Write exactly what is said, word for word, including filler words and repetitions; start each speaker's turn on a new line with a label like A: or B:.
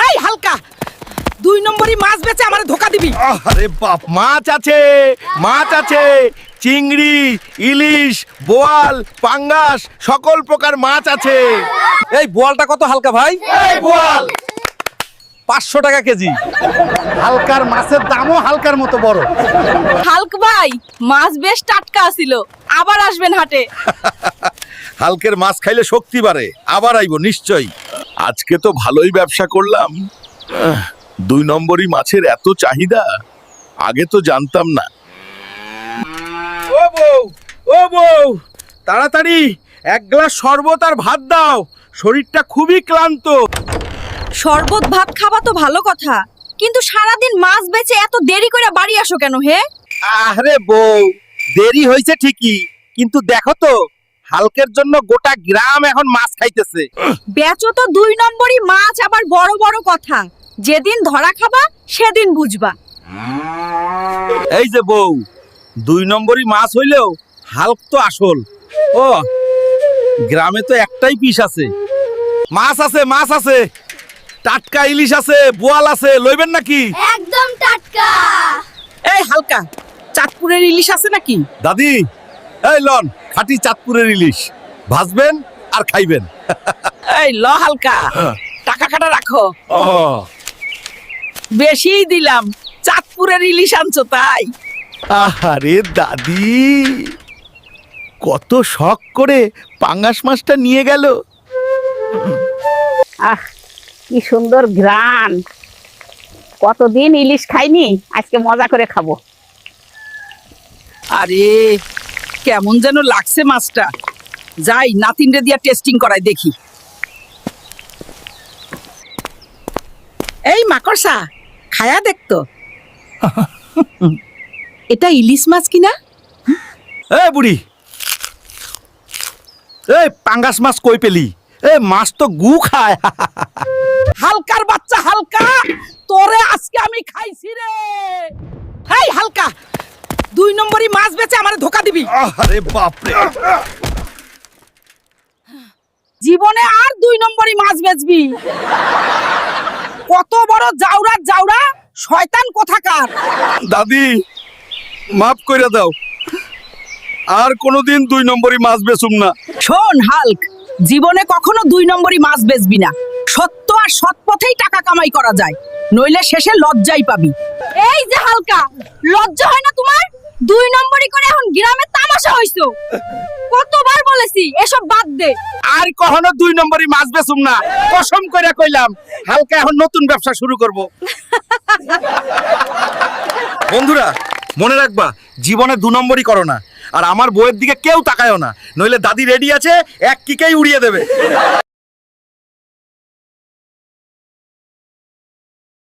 A: এই হালকা, দুই নম্বরই মাছ বেচে আমারে ধোকা দিবি।
B: আরে বাপ, মাছ আছে, মাছ আছে, চিংড়ি, ইলিশ, বোয়াল, পাঙ্গাস, সকল প্রকার মাছ আছে।
C: এই বোয়ালটা কত হালকা ভাই?
B: এই বোয়াল
C: পাঁচশো টাকা কেজি।
B: হালকার মাছের দামও হালকার মতো বড়।
A: হালক ভাই, মাছ বেশ টাটকা ছিল, আবার আসবেন হাটে।
B: হালকের মাছ খাইলে শক্তি বাড়ে, আবার আইবো নিশ্চয়ই। আজকে তো ভালোই ব্যবসা করলাম। আহ, দুই নম্বরই মাছের এত চাহিদা, আগে তো জানতাম না। ও বউ, ও বউ, তাড়াতাড়ি এক গ্লাস শরবত আর ভাত দাও, শরীরটা খুবই ক্লান্ত।
A: শরবত ভাত খাবা তো ভালো কথা, কিন্তু সারাদিন মাছ বেচে এত দেরি করে বাড়ি আসো কেন হে?
C: আরে বউ, দেরি হয়েছে ঠিকই, কিন্তু দেখো তো হালকের জন্য গোটা গ্রাম এখন মাছ খাইতেছে।
A: বেচো তো দুই নম্বরই মাছ, আবার বড় বড় কথা। যেদিন ধরা খাবা সেদিন বুঝবা।
C: এই যে বউ, দুই নম্বরই মাছ হইলেও হালক তো আসল। ও, গ্রামে তো একটাই পিস আছে।
B: মাছ আছে, মাছ আছে, টাটকা ইলিশ আছে, বোয়াল আছে, লইবেন নাকি?
D: একদম টাটকা।
A: এই হালকা, চাঁদপুরের ইলিশ আছে নাকি?
B: দাদি, এই লন খাঁটি চাঁদপুরের ইলিশ, ভাজবেন আর খাইবেন।
A: এই ল হালকা, টাকা কাটা রাখো।
B: ও
A: বেশিই দিলাম, চাঁদপুরের ইলিশ আনছো তাই।
B: আহারে দাদি, কত শখ করে পাঙ্গাস মাছটা নিয়ে গেল।
E: আহ, কি সুন্দর ঘ্রাণ! কতদিন ইলিশ খাইনি, আজকে মজা করে খাবো।
A: আরে কেমন যেন লাগছে মাছটা, যাই নাতিনরে দিয়া টেস্টিং করাই দেখি। এই মাকড়সা, খায়া দেখতো এটা ইলিশ মাছ কিনা?
B: এই বুড়ি, এই পাঙ্গাস মাছ কই পেলি? এই মাছ তো গু খায়।
A: হালকার বাচ্চা হালকা, তোরে আজকে আমি খাইছি রে। এই হালকা, দুই নম্বরই মাছ বেচে আমারে ধোকা দিবি।
B: আরে বাপ রে,
A: জীবনে আর দুই নম্বরই মাছ বেচবি? কত বড় জাউরা জাউরা, শয়তান কোথাকার।
B: দাদি মাফ কইরা দাও, আর কোনোদিন দুই নম্বরই মাছ বেচুম না।
A: শোন হাল্ক, জীবনে কখনো দুই নম্বরই মাছ বেচবি না। সত্য আর সৎ পথেই টাকা কামাই করা যায়, নইলে শেষে লজ্জাই পাবি। এই যে হালকা, লজ্জা হয় না তোমার? দুই নম্বরই করে এখন গ্রামে তামাশা হইছো। কতবার বলেছি এসব বাদ দে।
C: আর কখনো দুই নম্বরই মাছ বেচুম না, কসম কইরা কইলাম। হালকা এখন নতুন ব্যবসা শুরু করব।
B: বন্ধুরা মনে রাখবা, জীবনে দু নম্বরই করো না, আর আমার বউয়ের দিকে কেউ তাকায়ও না, নইলে দাদি রেডি আছে এক কিকেই উড়িয়ে দেবে।